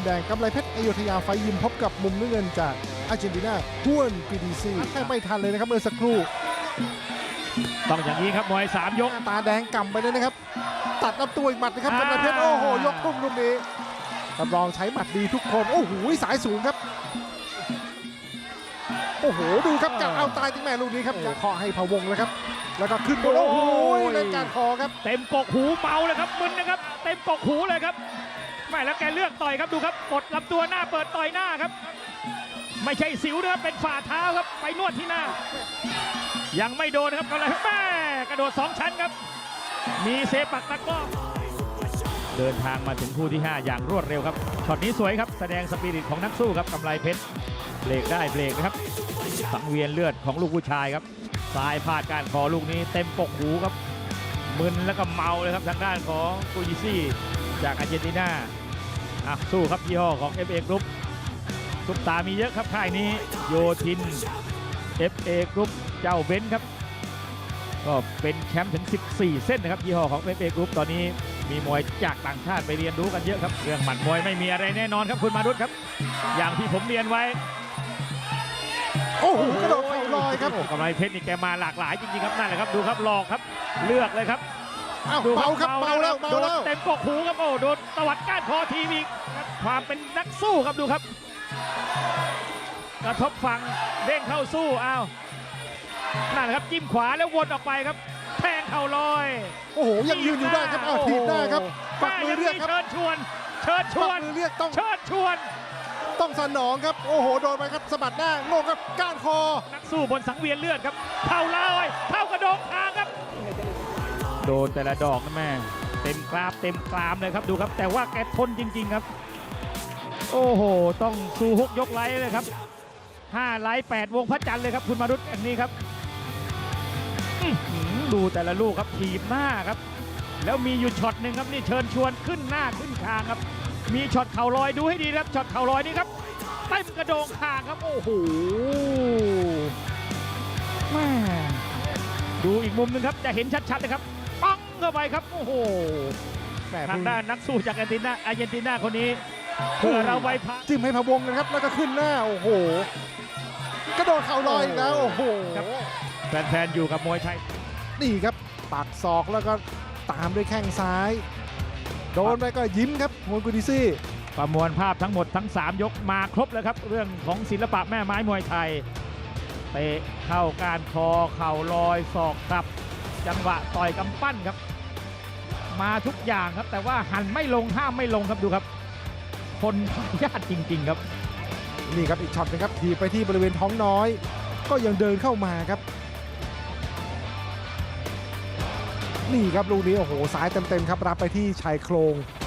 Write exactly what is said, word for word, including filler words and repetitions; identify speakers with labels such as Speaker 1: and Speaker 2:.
Speaker 1: แดงกำไรเพชรอยุธยาไฟยิมพบกับมุมน้ำเงินจากอาร์เจนตินาฮวนปีดีซีแค่ไม่ทันเลยนะครับเมื่อสักครู่
Speaker 2: ต้องอย่างนี้ครับมวยสามยก
Speaker 1: ตาแดงกำไปเลยนะครับตัดลำตัวอีกหมัดนะครับกำไรเพชรโอ้โหยกทุ่มลูกนี้รับรองใช้หมัดดีทุกคนโอ้โหสายสูงครับโอ้โหดูครับกะเอาตายที่แม่ลูกนี้ครับอย่าเคาะให้พะวงเลยครับแล้วก็ขึ้นบนโอ้โหเล่นการคอครับ
Speaker 2: เต็มกกหูเมาเลยครับมึนนะครับเต็มกกหูเลยครับไม่แล้วแกเลือกต่อยครับดูครับกดลำตัวหน้าเปิดต่อยหน้าครับไม่ใช่สิวนะครับเป็นฝ่าเท้าครับไปนวดที่หน้ายังไม่โดนนะครับก็เลยแม่กระโดดสองชั้นครับมีเซปักตะก้อเดินทางมาถึงคู่ที่ห้าอย่างรวดเร็วครับช็อตนี้สวยครับแสดงสปิริตของนักสู้ครับกำไรเพชรเบรกได้เบรกนะครับสังเวียนเลือดของลูกผู้ชายครับซ้ายพลาดการคอลูกนี้เต็มกกหูครับมึนแล้วก็เมาเลยครับทางด้านของกูจิซี่จากอาร์เจนตินาอ่ะสู้ครับยี่ห้อของ เอฟ เอ Group ซุปตามีเยอะครับค่ายนี้โยทิน เอฟ เอ Group เจ้าเบนซ์ครับก็เป็นแชมป์ถึงสิบสี่เส้นนะครับยี่ห้อของ เอฟ เอ Group ตอนนี้มีมวยจากต่างชาติไปเรียนรู้กันเยอะครับเรื่องหมัดมวยไม่มีอะไรแน่นอนครับคุณมารุตครับอย่างที่ผมเรียนไว้
Speaker 1: โอ้โหกระโดดเข่าลอยครับ
Speaker 2: กำไรเพชรนี่แกมาหลากหลายจริงๆครับนั่นแหละครับดูครับหลอกครับเลือกเลยครับ
Speaker 1: อ้าวเบาครับเบาแล้วเบา
Speaker 2: โดน
Speaker 1: แล้ว
Speaker 2: เต็มกกหูครับโอ้โดนตวัดก้านคอทีวีความเป็นนักสู้ครับดูครับกระทบฝั่งเด้งเข้าสู้อ้าวนั่นแหละครับจิ้มขวาแล้ววนออกไปครับแทงเข่าลอย
Speaker 1: โอ้โหยังยืนอยู่ได้ครับอ้าวถีบได้ครับปักมือเรียกครับ
Speaker 2: เชิญชวนเชิญช
Speaker 1: ปั
Speaker 2: ว
Speaker 1: ก
Speaker 2: น
Speaker 1: มือเรียกต้อง
Speaker 2: เชิญชวน
Speaker 1: ต้องสนองครับโอ้โหโดนไปครับสะบัดหน้าโง่ครับก้านคอ
Speaker 2: นักสู้บนสังเวียนเลือดครับเข่าลอยเข่ากระโดงคางครับโดนแต่ละดอกนะแม่เต็มกราบเต็มกรามเลยครับดูครับแต่ว่าแกทนจริงๆครับโอ้โหต้องสู้ฮุกยกไลท์เลยครับห้าไลท์แปดวงพระจันทร์เลยครับคุณมารุตอย่างนี้ครับดูแต่ละลูกครับถีบหน้าครับแล้วมีอยู่ช็อตหนึ่งครับนี่เชิญชวนขึ้นหน้าขึ้นคางครับมีช็อตเข่าลอยดูให้ดีครับช็อตเข่าลอยนี่ครับเต็มกระโดงคางครับโอ้โหแม่ดูอีกมุมหนึงครับจะเห็นชัดๆเลยครับปังเข้าไปครับโอ้โหทางด้านนักสู้จากอาร์เจนตินาอาร์เจนตินาคนนี้เพื่อเราไว้พัก
Speaker 1: จิ้มให้พะวงนะครับแล้วก็ขึ้นหน้าโอ้โหกระโดดเข่าลอยอีกแล้วโอ้โห
Speaker 2: แฟนๆอยู่กับมวยไทย
Speaker 1: นี่ครับปักศอกแล้วก็ตามด้วยแข้งซ้ายโดนไปก็ยิ้มครับฮวนกูดิซี่
Speaker 2: ประมวลภาพทั้งหมดทั้งสามยกมาครบแล้วครับเรื่องของศิลปะแม่ไม้มวยไทยเตะเข้าการคอเข่าลอยศอกกลับจังหวะต่อยกำปั้นครับมาทุกอย่างครับแต่ว่าหันไม่ลงห้ามไม่ลงครับดูครับคนญาติจริงๆครับ
Speaker 1: นี่ครับอีกช็อตนึงครับทีไปที่บริเวณท้องน้อยก็ยังเดินเข้ามาครับนี่ครับลูกนี้โอ้โหซ้ายเต็มๆครับรับไปที่ชายโครง